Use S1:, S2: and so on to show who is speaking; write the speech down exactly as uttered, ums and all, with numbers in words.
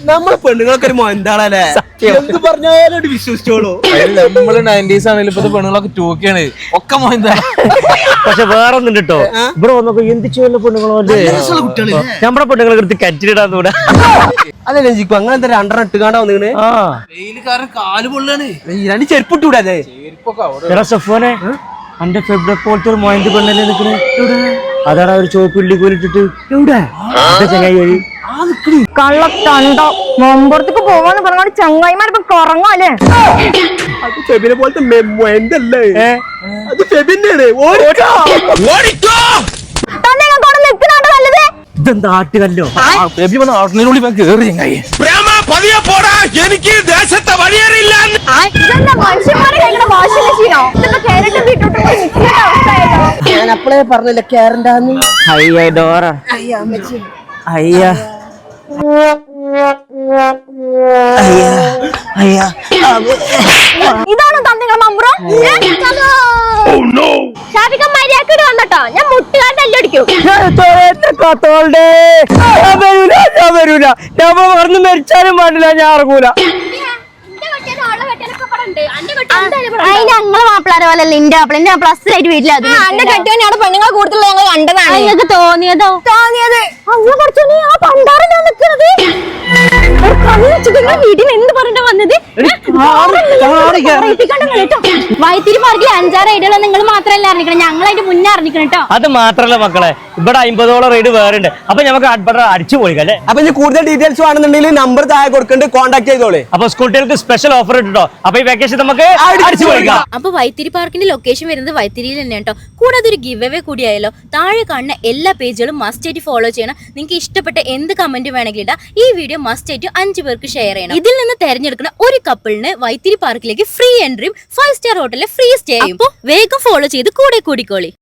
S1: നമ്മളെ പെണ്ണുങ്ങളൊക്കെ ഒരു മൊന്താളല്ലേ എന്ത് പറഞ്ഞാലും വിശ്വസിച്ചോളൂ.
S2: നമ്മള് നയൻറ്റീസ് ആണെങ്കിലും ഇപ്പത്തെ പെണ്ണുങ്ങളൊക്കെ ടൂക്കാണ് ഒക്കെ മൊന്താ.
S3: പക്ഷെ വേറെ ഒന്നും കേട്ടോ ഇവിടെ വന്നപ്പോ എന്ത് ചെയ്യുന്ന പെണ്ണുങ്ങളോ നമ്മുടെ പെണ്ണുങ്ങളെ കൃത്യം കറ്റിലിടാന്നൂടെ.
S1: അതല്ലേ ജിക്കു അങ്ങനെ എന്താ രണ്ടെണ്ണം ഇട്ടുകാണ്ടാ വന്നിങ്ങനെ
S2: വെയിലുകാരൻ കാല് പൊള്ളാണ്.
S1: രണ്ട് ചെരുപ്പിട്ടൂടെ അതെ
S3: എടാ സഫോനെ അന്റെ ഫെബ്രുവരി പോലത്തെ ഒരു മൊയന്ത് പെണ്ണല്ലേ നിക്കണേ അതാണ് ഒരു ചോപ്പ് ഇള്ളി കോലിട്ടിട്ട് എവിടെ ചങ്ങായി വഴി
S4: കള്ളക്കണ്ടോ മുമ്പുറത്തേക്ക് പോവാന്ന് പറഞ്ഞോണ്ട് ചങ്ങായിമാരിപ്പോ കുറങ്ങല്ലേ.
S1: അത് ഫെബിനെ പോലത്തെ മൊയന്തല്ലേ അത് ഫെബിന്നാണ്.
S3: ഇതെന്താ ആട്ടുകല്ലോ
S2: ആട്ടിനുള്ളിൽ കേറി ചങ്ങായി.
S4: എനിക്ക് ദേശത്തെ വഴിയേറില്ല.
S1: ഞാൻ അപ്പളേ പറഞ്ഞില്ല കേറണ്ടാന്ന്.
S3: അയ്യ ഡോറ അയ്യ അയ്യ
S4: ഇതാണ് തന്നിങ്ങൾ മമ്പുറം. ഷാഫിക്ക മര്യാദക്ക് വന്നട്ടോ ഞാൻ മുട്ടുകാരുടെ എല്ലടിക്കും.
S3: കത്തോളുടെ ഞാൻ വരൂല ഞാൻ വരൂല ഞാൻ മറന്ന് മരിച്ചാലും പാടില്ല ഞാൻ ഇറങ്ങൂല.
S4: ഞങ്ങളെ മാപ്പിളാരെ പോലല്ലേ എന്റെ മാപ്പിള എന്റെ മാപ്പിള അസലായിട്ട് വീട്ടിൽ എന്റെ കെട്ടിയാണ് പെണ്ണുങ്ങളെ കൂടുതൽ ഞങ്ങൾ കണ്ടതാണ്. നിങ്ങൾക്ക് തോന്നിയതോ തോന്നിയത് അങ്ങനെ കുറച്ചു ആ പണ്ടാറല്ലോ നിൽക്കുന്നത് വീട്ടിൽ എന്ത് പറഞ്ഞിട്ട് വന്നത്. വൈത്തിരി പാർക്കിൽ അഞ്ചാറ് റൈഡുകൾ നിങ്ങൾ മാത്രമല്ല അറിഞ്ഞിക്കണം ഞങ്ങളായിട്ട് മുന്നേ അറിഞ്ഞിക്കണം കേട്ടോ.
S3: അത് മാത്രല്ല മക്കളെ ഇവിടെ അമ്പതോളം റൈഡ് വേറെ ഉണ്ട്. അപ്പൊ നമുക്ക് അടിച്ചു പോയിക്കല്ലേ.
S1: അപ്പൊ ഇനി കൂടുതൽ ഡീറ്റെയിൽസ് വേണമെന്നുണ്ടെങ്കിൽ നമ്പർ താഴെ കൊടുക്കുന്നുണ്ട് കോൺടാക്ട് ചെയ്തോളെ.
S3: അപ്പൊ സ്കൂൾ കുട്ടികൾക്ക് സ്പെഷ്യൽ ഓഫർ ഇട്ടോ. അപ്പൊ ഈ വെക്കേഷൻ നമുക്ക് അടിച്ചു പോയിക്കാം.
S5: അപ്പൊ വൈത്തിരി പാർക്കിന്റെ ലൊക്കേഷൻ വരുന്നത് വൈത്തിരിയിൽ തന്നെ കേട്ടോ. കൂടാതെ ഒരു ഗിവ് അവേ കൂടിയായല്ലോ. താഴെ കാണുന്ന എല്ലാ പേജുകളും മസ്റ്റ് ആയിട്ട് ഫോളോ ചെയ്യണം. നിങ്ങൾക്ക് ഇഷ്ടപ്പെട്ട എന്ത് കമന്റ് വേണമെങ്കിലും ഇടാം. ഈ വീഡിയോ മസ്റ്റ് ആയിട്ട് അഞ്ചു പേർക്ക് ഷെയർ ചെയ്യണം. ഇതിൽ നിന്ന് തെരഞ്ഞെടുക്കുന്ന ഒരു കപ്പിളിന് വൈത്തിരി പാർക്കിലേക്ക് ഫ്രീ എൻട്രിയും ഫൈവ് സ്റ്റാർ ഹോട്ടലിലെ ഫ്രീ സ്റ്റേയും. അപ്പോൾ വേഗം ഫോളോ ചെയ്ത് കൂടെ കൂടിക്കോളി.